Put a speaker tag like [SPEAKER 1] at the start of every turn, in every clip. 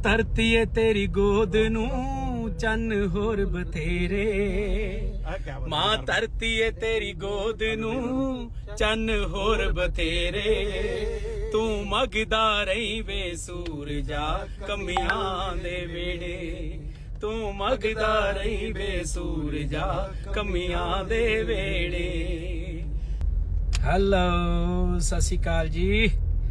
[SPEAKER 1] ਧਰਤੀ ਏ ਤੇਰੀ ਗੋਦ ਨੂੰ ਚੰਨ ਹੋਰ ਬਥੇਰੇ ਮਾਂ ਧਰਤੀ ਏ ਤੇਰੀ ਗੋਦ ਨੂੰ ਚੰਨ ਹੋਰ ਬਥੇਰੇ ਤੂੰ ਮੰਗਦਾ ਰਹੀ ਵੇ ਸੂਰਜਾ ਕਮੀਆਂ ਦੇ ਵੇੜੇ ਤੂੰ ਮੰਗਦਾ ਰਹੀ ਵੇ ਸੂਰਜਾ ਕਮੀਆਂ ਦੇ ਵੇੜੇ। ਹੈਲੋ ਸਤਿ ਸ਼੍ਰੀ ਅਕਾਲ ਜੀ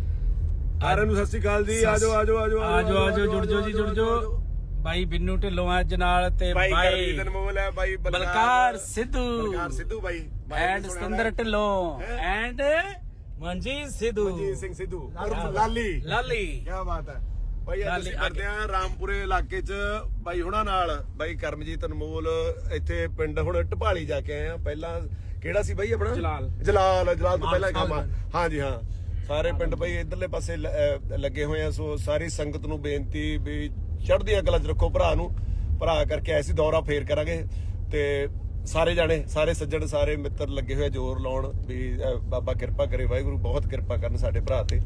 [SPEAKER 2] ਸਾਰਿਆਂ ਨੂੰ। ਸਤਿ ਸ਼੍ਰੀ ਅਕਾਲ ਜੀ। ਆਜੋ ਆਜੋ ਆਜੋ
[SPEAKER 1] ਆਜੋ ਆਜੋ ਜੁੜ ਜਾਓ ਜੀ ਜੁੜ ਜਾਓ। ਬਾਈ ਬਿੰਨੂ ਢਿੱਲੋਂ ਅੱਜ ਨਾਲ ਤੇ ਬਾਈ
[SPEAKER 2] ਅਨਮੋਲ ਹੈ ਬਾਈ
[SPEAKER 1] ਬਲਕਾਰ ਸਿੱਧੂ
[SPEAKER 2] ਬਾਈ
[SPEAKER 1] ਐਂਡ ਸਤਿੰਦਰ ਢਿੱਲੋਂ ਐਂਡ ਮਨਜੀਤ ਸਿੱਧੂ
[SPEAKER 2] ਮਨਜੀਤ ਸਿੰਘ ਸਿੱਧੂ ਉਰਫ ਲਾਲੀ
[SPEAKER 1] ਲਾਲੀ।
[SPEAKER 2] ਕੀ ਬਾਤ ਹੈ ਬਾਈ। ਅੱਜ ਅਸੀਂ ਕਰਦੇ ਆ ਰਾਮਪੁਰੇ ਇਲਾਕੇ 'ਚ ਬਾਈ ਹੁਣਾਂ ਨਾਲ। ਬਾਈ ਕਰਮਜੀਤ ਅਨਮੋਲ ਇੱਥੇ ਪਿੰਡ ਹੁਣ ਢਪਾਲੀ ਜਾ ਕੇ ਆਏ ਆ। ਪਹਿਲਾਂ ਕਿਹੜਾ ਸੀ ਬਾਈ ਆਪਣਾ? ਜਲਾਲ ਤੋਂ ਪਹਿਲਾਂ ਕੰਮ। ਹਾਂਜੀ ਹਾਂ, ਸਾਰੇ ਪਿੰਡ ਬਾਈ ਇਧਰਲੇ ਪਾਸੇ ਲੱਗੇ ਹੋਏ ਆ। ਸੋ ਸਾਰੀ ਸੰਗਤ ਨੂੰ ਬੇਨਤੀ ਵੀ ਚੜ੍ਹਦੀਆਂ ਕਲਾਂ 'ਚ ਰੱਖੋ ਭਰਾ ਨੂੰ। ਭਰਾ ਕਰਕੇ ਐਸੀ ਦੌਰਾ ਫੇਰ ਕਰਾਂਗੇ ਤੇ ਸਾਰੇ ਜਾਣੇ ਸਾਰੇ ਸੱਜਣ ਸਾਰੇ ਮਿੱਤਰ ਲੱਗੇ ਹੋਏ ਜ਼ੋਰ ਲਾਉਣ ਵੀ ਬਾਬਾ ਕਿਰਪਾ ਕਰੇ, ਵਾਹਿਗੁਰੂ ਬਹੁਤ ਕਿਰਪਾ ਕਰਨ ਸਾਡੇ ਭਰਾ ਤੇ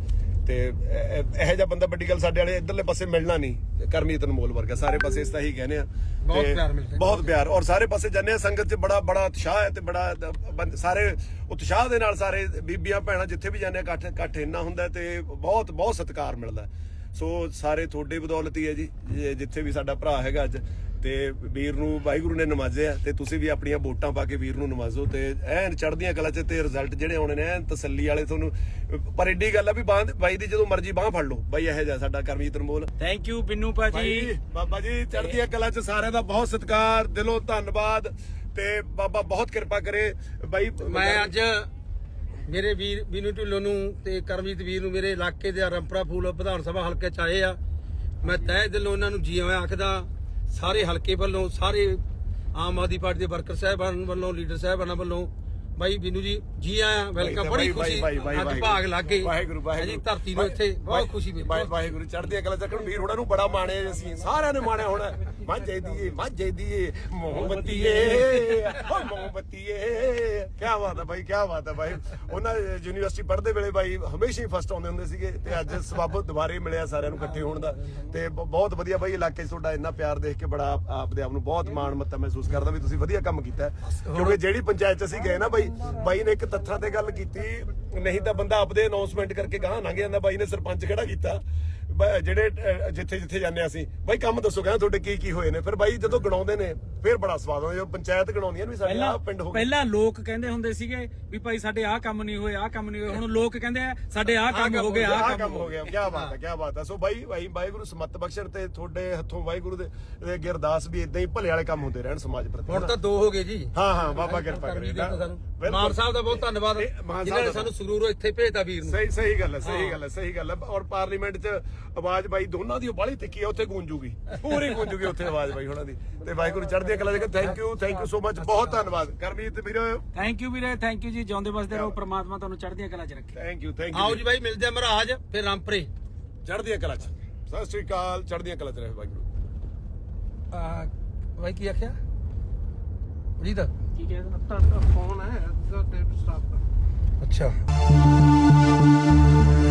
[SPEAKER 2] ਇਹੋ ਜਿਹਾ ਬੰਦਾ ਵੱਡੀ ਗੱਲ ਸਾਡੇ ਵਾਲੇ ਇਧਰਲੇ ਪਾਸੇ ਮਿਲਣਾ ਨਹੀਂ। ਕਰਮਜੀਤ ਅਨਮੋਲ ਵਰਗਾ ਸਾਰੇ ਪਾਸੇ ਇਸ ਤਾਂ ਹੀ ਕਹਿੰਦੇ ਆ। ਬਹੁਤ ਪਿਆਰ ਔਰ ਸਾਰੇ ਪਾਸੇ ਜਾਂਦੇ ਆ। ਸੰਗਤ 'ਚ ਬੜਾ ਉਤਸ਼ਾਹ ਹੈ ਤੇ ਬੜਾ ਸਾਰੇ ਉਤਸ਼ਾਹ ਦੇ ਨਾਲ ਸਾਰੇ ਬੀਬੀਆਂ ਭੈਣਾਂ ਜਿੱਥੇ ਵੀ ਜਾਂਦੇ ਆ ਇਕੱਠ ਇੰਨਾ ਹੁੰਦਾ ਤੇ ਬਹੁਤ ਸਤਿਕਾਰ ਮਿਲਦਾ। ਸੋ ਸਾਰੇ ਤੁਹਾਡੇ ਬਦੌਲਤ ਹੀ ਹੈ ਜੀ ਜਿੱਥੇ ਵੀ ਸਾਡਾ ਭਰਾ ਹੈਗਾ ਅੱਜ। ਤੇ ਵੀਰ ਨੂੰ ਵਾਹਿਗੁਰੂ ਨੇ ਨਵਾਜ਼ਿਆ ਤੇ ਤੁਸੀਂ ਵੀ ਆਪਣੀਆਂ ਵੋਟਾਂ ਪਾ ਕੇ ਵੀਰ ਨੂੰ ਨਵਾਜ਼ੋ ਤੇ ਐਨ ਚੜ੍ਹਦੀਆਂ ਕਲਾਂ 'ਚ ਤੇ ਰਿਜ਼ਲਟ ਜਿਹੜੇ ਆਉਣੇ ਨੇ ਐਨ ਤਸੱਲੀ ਵਾਲੇ ਤੁਹਾਨੂੰ। ਪਰ ਏਡੀ ਗੱਲ ਆ ਵੀ ਬਾਈ ਦੀ ਜਦੋਂ ਮਰਜ਼ੀ ਬਾਹ ਫੜ ਲਓ ਬਾਈ। ਇਹੋ ਜਿਹਾ ਸਾਡਾ ਕਰਮਜੀਤ ਅਨਮੋਲ।
[SPEAKER 1] ਥੈਂਕ ਯੂ ਬਿੰਨੂ ਭਾਜੀ।
[SPEAKER 2] ਬਾਬਾ ਜੀ ਚੜ੍ਹਦੀਆਂ ਕਲਾਂ 'ਚ ਸਾਰਿਆਂ ਦਾ ਬਹੁਤ ਸਤਿਕਾਰ, ਦਿਲੋਂ ਧੰਨਵਾਦ ਤੇ ਬਾਬਾ ਬਹੁਤ ਕਿਰਪਾ ਕਰੇ ਬਾਈ।
[SPEAKER 3] ਮੈਂ ਅੱਜ ਮੇਰੇ ਵੀਰ ਬਿੰਨੂ ਢਿੱਲੋਂ ਨੂੰ ਤੇ ਕਰਮਜੀਤ ਵੀਰ ਨੂੰ ਮੇਰੇ ਇਲਾਕੇ ਦੇ ਰੰਪਰਾ ਫੂਲ ਵਿਧਾਨ ਸਭਾ ਹਲਕੇ 'ਚ ਆਏ ਆ। ਮੈਂ ਤਹਿ ਦਿਲੋਂ ਉਹਨਾਂ ਨੂੰ ਜੀ ਆਇਆਂ ਆਖਦਾ। ਸਾਰੇ ਹਲਕੇ ਵੱਲੋਂ, ਸਾਰੇ ਆਮ ਆਦਮੀ ਪਾਰਟੀ ਦੇ ਵਰਕਰ ਸਾਹਿਬਾਨ ਵੱਲੋਂ, ਲੀਡਰ ਸਾਹਿਬਾਨਾਂ ਵੱਲੋਂ ਬਾਈ ਬਿੰਨੂ ਜੀ ਆਇਆਂ, ਵੈਲਕਮ। ਬੜੀ ਖੁਸ਼ੀ ਅੱਜ ਭਾਗ ਲੱਗ ਗਏ ਜੀ ਧਰਤੀ ਨੂੰ ਇੱਥੇ। ਬਹੁਤ ਖੁਸ਼ੀ ਮਿਲੀ।
[SPEAKER 2] ਵਾਹਿਗੁਰੂ ਚੜ੍ਹਦੀਆਂ ਕਲਾਂ ਚੱਕਣ। ਵੀਰ ਹੋਣਾ ਨੂੰ ਬੜਾ ਮਾਣਿਆ ਅਸੀਂ ਸਾਰਿਆਂ ਨੇ ਮਾਣਿਆ ਹੋਣਾ। ਮਾਝੇ ਦੀਏ ਮੋਹਬੱਤੀਏ ਓ ਮੋਹਬੱਤੀਏ। ਕੀ ਬਾਤ ਹੈ ਬਾਈ, ਕੀ ਬਾਤ ਹੈ ਬਾਈ। ਉਹਨਾਂ ਯੂਨੀਵਰਸਿਟੀ ਪੜ੍ਹਦੇ ਵੇਲੇ ਬਾਈ ਹਮੇਸ਼ਾ ਹੀ ਫਸਟ ਆਉਂਦੇ ਹੁੰਦੇ ਸੀਗੇ ਤੇ ਅੱਜ ਸਬੱਬ ਦੁਬਾਰੇ ਮਿਲਿਆ ਸਾਰਿਆਂ ਨੂੰ ਇਕੱਠੇ ਹੋਣ ਦਾ ਤੇ ਬਹੁਤ ਵਧੀਆ ਬਾਈ। ਇਲਾਕੇ 'ਚ ਤੁਹਾਡਾ ਇੰਨਾ ਪਿਆਰ ਦੇਖ ਕੇ ਬੜਾ ਆਪਦੇ ਆਪ ਨੂੰ ਬਹੁਤ ਮਾਣ ਮੱਤਾ ਮਹਿਸੂਸ ਕਰਦਾ ਵੀ ਤੁਸੀਂ ਵਧੀਆ ਕੰਮ ਕੀਤਾ। ਕਿਉਂਕਿ ਜਿਹੜੀ ਪੰਚਾਇਤ 'ਚ ਅਸੀਂ ਗਏ ਨਾ ਬਾਈ ਨੇ ਇੱਕ ਤੱਥਾਂ ਤੇ ਗੱਲ ਕੀਤੀ, ਨਹੀਂ ਤਾਂ ਬੰਦਾ ਆਪਦੇ ਅਨਾਉਂਸਮੈਂਟ ਕਰਕੇ ਗਾਹ ਲੰਘ ਜਾਂਦਾ। ਬਾਈ ਨੇ ਸਰਪੰਚ ਖੜਾ ਕੀਤਾ ਜਿਹੜੇ ਜਿੱਥੇ ਜਾਂਦੇ ਆ ਅਸੀਂ। ਬਾਈ ਕੰਮ ਦੱਸੋ ਕਹਿੰਦਾ ਤੁਹਾਡੇ ਕੀ ਹੋਏ ਨੇ। ਫਿਰ ਬਾਈ ਜਦੋਂ ਗਣਾਉਂਦੇ ਨੇ ਫਿਰ ਬੜਾ ਸਵਾਦ ਆਉਂਦਾ। ਜਦੋਂ ਪੰਚਾਇਤ ਗਣਾਉਂਦੀਆਂ ਵੀ ਸਾਡੇ ਆਹ ਪਿੰਡ ਹੋ ਗਿਆ।
[SPEAKER 1] ਪਹਿਲਾਂ ਲੋਕ ਕਹਿੰਦੇ ਹੁੰਦੇ ਸੀਗੇ ਵੀ ਭਾਈ ਸਾਡੇ ਆਹ ਕੰਮ ਨਹੀਂ ਹੋਏ, ਆਹ ਕੰਮ ਨਹੀਂ ਹੋਏ। ਹੁਣ ਲੋਕ ਕਹਿੰਦੇ ਆ ਸਾਡੇ ਆਹ ਕੰਮ ਹੋ ਗਏ, ਆਹ ਕੰਮ ਹੋ ਗਿਆ।
[SPEAKER 2] ਕੀ ਬਾਤ ਹੈ, ਕੀ ਬਾਤ ਹੈ। ਸੋ ਬਾਈ ਵਾਹਿਗੁਰੂ ਸਮੱਤ ਬਖਸ਼ਣ ਤੇ ਤੁਹਾਡੇ ਹੱਥੋਂ ਵਾਹਿਗੁਰੂ ਦੇ ਅੱਗੇ ਅਰਦਾਸ ਵੀ ਇਦਾਂ ਹੀ ਭਲੇ ਵਾਲੇ ਕੰਮ ਹੁੰਦੇ ਰਹਿਣ ਸਮਾਜ ਪ੍ਰਤੀ।
[SPEAKER 3] ਹੁਣ ਤਾਂ 2 ਹੋ ਗਏ ਜੀ।
[SPEAKER 2] ਹਾਂ ਬਾਬਾ ਕਿਰਪਾ ਕਰੇ।
[SPEAKER 3] ਮਾਨ ਸਾਹਿਬ ਦਾ ਬਹੁਤ ਧੰਨਵਾਦ ਜਿਨ੍ਹਾਂ ਨੇ ਸਾਨੂੰ ਸਰੂਰੋਂ ਇੱਥੇ ਭੇਜਦਾ ਵੀਰ ਨੂੰ।
[SPEAKER 2] ਸਹੀ ਗੱਲ ਹੈ। ਔਰ ਪਾਰਲੀਮੈਂਟ 'ਚ ਆਵਾਜ਼ ਬਾਈ ਦੋਨਾਂ ਦੀ ਬਾਹਲੀ ਤਿੱਖੀ ਆ। ਉੱਥੇ ਗੂੰਜੂਗੀ, ਪੂਰੀ ਗੂੰਜੂਗੀ ਉੱਥੇ ਆਵਾਜ਼ ਬਾਈ ਉਹਨਾਂ ਦੀ। ਤੇ ਵਾਹਿਗੁਰੂ ਚੜ੍ਹਦੀਆਂ ਕਲਾਂ ਦੇ। Thank you so much. ਬਹੁਤ ਧੰਨਵਾਦ ਕਰਮਜੀਤ ਵੀਰ।
[SPEAKER 1] ਥੈਂਕ ਯੂ ਵੀਰੇ, ਥੈਂਕ ਯੂ ਜੀ। ਜਿਉਂਦੇ ਵਸਦੇ ਰਹੋ, ਪ੍ਰਮਾਤਮਾ ਤੁਹਾਨੂੰ ਚੜ੍ਹਦੀਆਂ ਕਲਾਂ 'ਚ ਰੱਖੇ।
[SPEAKER 2] ਥੈਂਕ ਯੂ
[SPEAKER 3] ਆਓ ਜੀ ਬਾਈ ਮਿਲਦੇ ਆ ਮਹਾਰਾਜ ਫਿਰ ਰਾਮਪੁਰੇ
[SPEAKER 2] ਚੜ੍ਹਦੀਆਂ ਕਲਾਂ 'ਚ। ਸਤਿ ਸ਼੍ਰੀ ਅਕਾਲ। ਚੜ੍ਹਦੀਆਂ ਕਲਾਂ 'ਚ ਰਹੇ ਵਾਹਿਗੁਰੂ।
[SPEAKER 3] ਬਾਈ ਕੀ ਆਖਿਆ ਜੀ ਦਾ
[SPEAKER 1] ਕੀ ਕਹਿੰਦਾ?
[SPEAKER 3] ਫੋਨ ਹੈ ਅੱਛਾ।